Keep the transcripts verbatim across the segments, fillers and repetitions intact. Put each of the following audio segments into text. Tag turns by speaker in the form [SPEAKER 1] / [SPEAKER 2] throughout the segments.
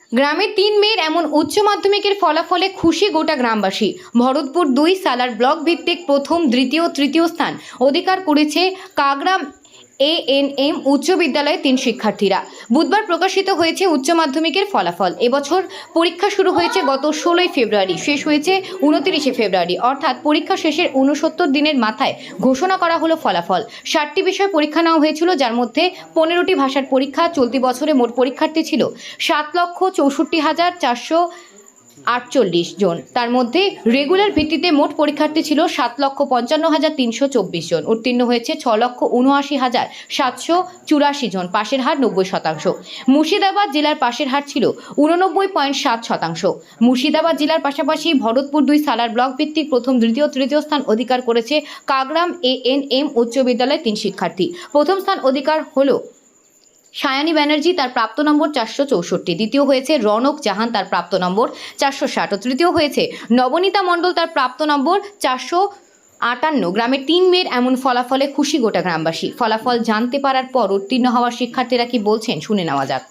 [SPEAKER 1] গ্রামের তিন মেয়ের এমন উচ্চ মাধ্যমিকের ফলাফলে খুশি গোটা গ্রামবাসী। ভরতপুর দুই সালার ব্লক ভিত্তিক প্রথম, দ্বিতীয়, তৃতীয় স্থান অধিকার করেছে কাগরাম এ এন এম উচ্চ বিদ্যালয়ের তিন শিক্ষার্থীরা। বুধবার প্রকাশিত হয়েছে উচ্চ মাধ্যমিকের ফলাফল। এবছর পরীক্ষা শুরু হয়েছে গত ষোলোই ফেব্রুয়ারি, শেষ হয়েছে উনত্রিশে ফেব্রুয়ারি, অর্থাৎ পরীক্ষা শেষের উনসত্তর দিনের মাথায় ঘোষণা করা হলো ফলাফল। ষাটটি বিষয় পরীক্ষা নেওয়া হয়েছিল, যার মধ্যে পনেরোটি ভাষার পরীক্ষা। চলতি বছরে মোট পরীক্ষার্থী ছিল সাত লক্ষ চৌষট্টি হাজার চারশো আটচল্লিশ জন। তার মধ্যে রেগুলার ভিত্তিতে মোট পরীক্ষার্থী ছিল সাত লক্ষ পঞ্চান্ন হাজার তিনশো চব্বিশ জন। উত্তীর্ণ হয়েছে ছ লক্ষ উনআশি হাজার সাতশো চুরাশি জন। পাশের হার নব্বই শতাংশ। মুর্শিদাবাদ জেলার পাশের হার ছিল উননব্বই পয়েন্ট সাত শতাংশ। মুর্শিদাবাদ জেলার পাশাপাশি ভরতপুর দুই সালার ব্লক ভিত্তিক প্রথম, দ্বিতীয়, তৃতীয় স্থান অধিকার করেছে কাগরাম এ এন এম উচ্চ বিদ্যালয়ের তিন শিক্ষার্থী। প্রথম স্থান অধিকার হলো সায়ানী ব্যানার্জি, তার প্রাপ্ত নম্বর চারশো চৌষট্টি। দ্বিতীয় হয়েছে রনক জাহান, তার প্রাপ্ত নম্বর চারশো ষাট। ও তৃতীয় হয়েছে নবনীতা মণ্ডল, তার প্রাপ্ত নম্বর চারশো আটান্ন। গ্রামের তিন মেয়ের এমন ফলাফলে খুশি গোটা গ্রামবাসী। ফলাফল জানতে পারার পর উত্তীর্ণ হওয়া শিক্ষার্থীরা কি বলছেন শুনে নেওয়া যাক।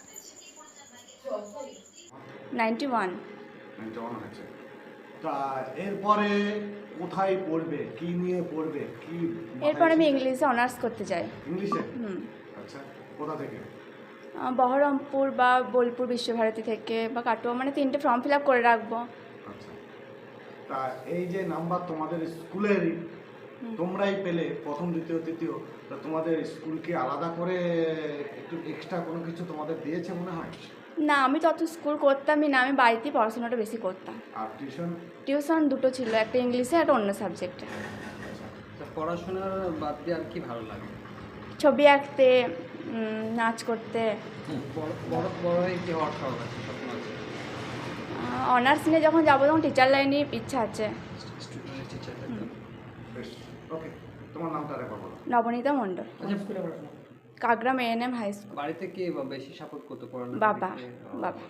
[SPEAKER 2] নাইনটি ওয়ান
[SPEAKER 3] নাইনটি ওয়ান হয়েছে। তা এরপরে কোথায় পড়বে, কি নিয়ে পড়বে, কি
[SPEAKER 2] এরপর আমি ইংলিশে অনার্স করতে চাই।
[SPEAKER 3] ইংলিশে?
[SPEAKER 2] হুম
[SPEAKER 3] আচ্ছা, কোথা থেকে?
[SPEAKER 2] আহ, বহরমপুর বা বোলপুর বিশ্বভারতী থেকে বা কাটোয়া, মানে তিনটে ফর্ম ফিল আপ করে রাখবো।
[SPEAKER 3] আচ্ছা, তা এই যে নাম্বার তোমাদের স্কুলেরই তোমরাই পেলে প্রথম, দ্বিতীয়, তৃতীয়, তা তোমাদের স্কুল কি আলাদা করে একটু এক্সট্রা কোনো কিছু তোমাদের দিয়েছে মনে হয়?
[SPEAKER 2] না, আমি তত স্কুল করতামই না, আমি বাড়িতেই পড়াশোনাটা বেশি করতাম।
[SPEAKER 3] আর টিউশন?
[SPEAKER 2] টিউশন দুটো ছিল, একটা ইংলিশে একটা অন্য সাবজেক্টে।
[SPEAKER 4] তা পড়াশোনার বাদ দিয়ে আর কি ভালো লাগে?
[SPEAKER 2] ছবি আঁকতে, উম, নাচ করতে।
[SPEAKER 4] বড় বড় বড় হয়ে কি হওয়ার শখ আছে, স্বপ্ন আছে?
[SPEAKER 2] অনার্স নিয়ে যখন যাবো তখন টিচার লাইনে ইচ্ছা আছে।
[SPEAKER 4] Student teacher.
[SPEAKER 3] বেশ, ওকে। তোমার নামটা রেকর্ড করো।
[SPEAKER 2] Nabanita Mondal, Kagram A N M high school.
[SPEAKER 4] বাড়িতে কে বা বেশি সাপোর্ট করতে পড়ানো?
[SPEAKER 2] বাবা বাবা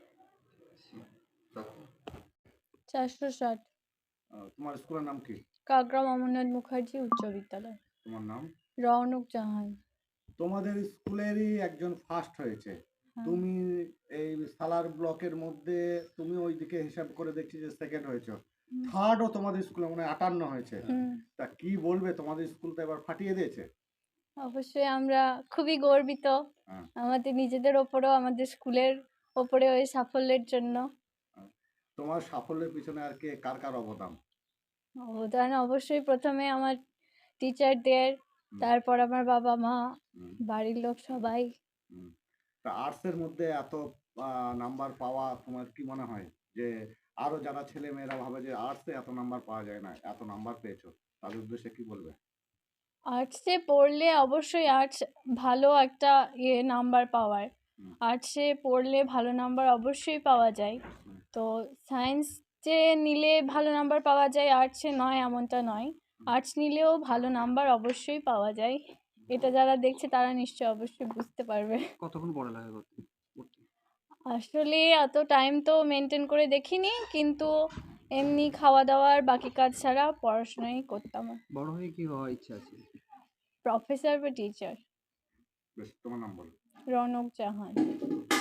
[SPEAKER 5] চারশো ষাট।
[SPEAKER 3] তোমার স্কুলের নাম কি?
[SPEAKER 5] কাগরাম অমরনাথ মুখার্জি উচ্চ বিদ্যালয়।
[SPEAKER 3] তোমার নাম?
[SPEAKER 5] রওনক জাহান।
[SPEAKER 3] তোমাদের স্কুলেরই একজন ফার্স্ট হয়েছে।
[SPEAKER 5] হ্যাঁ।
[SPEAKER 3] তুমি এই সালার ব্লকের মধ্যে তুমি ওইদিকে হিসাব করে দেখছি যে সেকেন্ড হয়েছে। থার্ডও তোমাদের স্কুলে মনে হয় আটান্ন হয়েছে।
[SPEAKER 5] হুম।
[SPEAKER 3] তা কি বলবে, তোমাদের স্কুল তো এবার ফাটিয়ে দিয়েছে।
[SPEAKER 5] অবশ্যই আমরা খুবই গর্বিত
[SPEAKER 3] হ্যাঁ।
[SPEAKER 5] আমাদের নিজেদের ওপরেও, আমাদের স্কুলের ওপরে ওই সাফল্যের জন্য।
[SPEAKER 3] তোমার সাফল্যের পিছনে আর কে, কার কার অবদান?
[SPEAKER 5] অবদান অবশ্যই প্রথমে আমার টিচারদের, তারপর আমার বাবা মা,
[SPEAKER 3] হুম,
[SPEAKER 5] বাড়ির লোক সবাই।
[SPEAKER 3] হুম। তা আর্টসের মধ্যে এত নাম্বার পাওয়া তোমার কি মনে হয় যে আরো যারা ছেলে মেয়েরা ভাবে যে আর্টসে এত নাম্বার পাওয়া যায় না, এত নাম্বার পেয়েছো, তাদের উদ্দেশ্যে কি বলবে?
[SPEAKER 5] আর্টসে পড়লে অবশ্যই আর্টস ভালো একটা ইয়ে নাম্বার পাওয়ার।
[SPEAKER 3] হুম।
[SPEAKER 5] আর্টসে পড়লে ভালো নাম্বার অবশ্যই পাওয়া যায়।
[SPEAKER 3] হুম।
[SPEAKER 5] তো সায়েন্সে নিলে ভালো নাম্বার পাওয়া যায়, আর্টসে নয় এমনটা নয়। আর্টস নিলেও ভালো নাম্বার অবশ্যই পাওয়া যায়। এটা যারা দেখছে তারা নিশ্চয়ই অবশ্যই বুঝতে পারবে।
[SPEAKER 4] কতক্ষণ পড়ালেখা করতে করতে?
[SPEAKER 5] আসলে অত টাইম তো মেনটেন করে দেখিনি, কিন্তু এমনি খাওয়া দাওয়ার বাকি কাজ ছাড়া পড়াশোনাই করতাম।
[SPEAKER 4] বড় হয়ে কি হওয়ার ইচ্ছা আছে?
[SPEAKER 5] প্রফেসর বা টিচার।
[SPEAKER 3] বেশ, তোমার নাম বলো।
[SPEAKER 5] রনক জাহান।